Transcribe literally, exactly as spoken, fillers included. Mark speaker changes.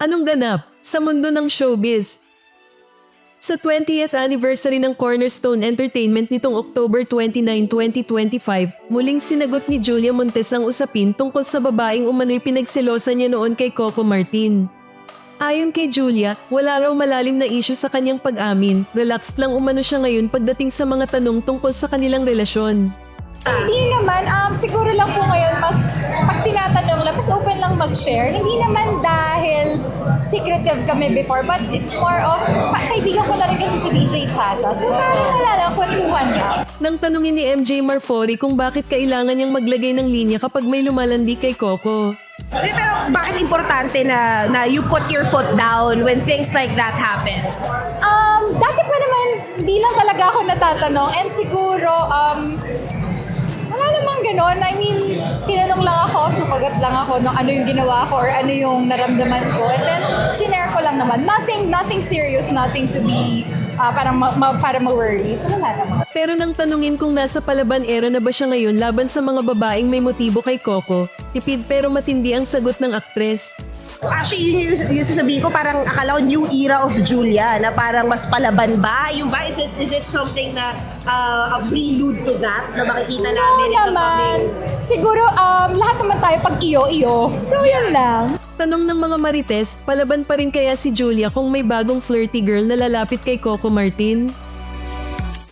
Speaker 1: Anong ganap sa mundo ng showbiz? Sa twentieth anniversary ng Cornerstone Entertainment nitong October twenty-ninth, twenty twenty-five, muling sinagot ni Julia Montes ang usapin tungkol sa babaeng umano'y pinagselosan niya noon kay Coco Martin. Ayon kay Julia, wala raw malalim na issue sa kanyang pag-amin, relaxed lang umano siya ngayon pagdating sa mga tanong tungkol sa kanilang relasyon.
Speaker 2: Hindi naman, um, siguro lang po ngayon mas pag tinatanong lang, mas open lang mag-share. Hindi naman dahil secretive kami before, but it's more of, pa, kaibigan ko na rin kasi si D J Chacha. So parang wala lang, kwentuhan lang.
Speaker 1: Nang tanungin ni M J Marfori kung bakit kailangan niyang maglagay ng linya kapag may lumalandi kay Coco.
Speaker 3: Pero bakit importante na, na you put your foot down when things like that happen?
Speaker 2: Um, dati pa naman, hindi lang talaga ako natatanong. And siguro, um, wala namang ganon. I mean, tinanong lang ako, sumagot lang ako ng ano yung ginawa ko or ano yung naramdaman ko. And then, shinare ko lang naman. Nothing, nothing serious, nothing to be, uh, parang ma- ma- para ma-worry. So, wala naman.
Speaker 1: Pero nang tanungin kung nasa palaban era na ba siya ngayon laban sa mga babaeng may motibo kay Coco, tipid pero matindi ang sagot ng aktres.
Speaker 3: Actually, yun yung, yung sasabihin ko, parang akala ko new era of Julia, na parang mas palaban ba? Yung ba, is it, is it something na uh, a prelude to that, na makikita namin
Speaker 2: Oo
Speaker 3: in the
Speaker 2: naman.
Speaker 3: coming?
Speaker 2: Siguro, um, lahat naman tayo pag iyo-iyo. So, yun lang.
Speaker 1: Tanong ng mga marites, palaban pa rin kaya si Julia kung may bagong flirty girl na lalapit kay Coco Martin?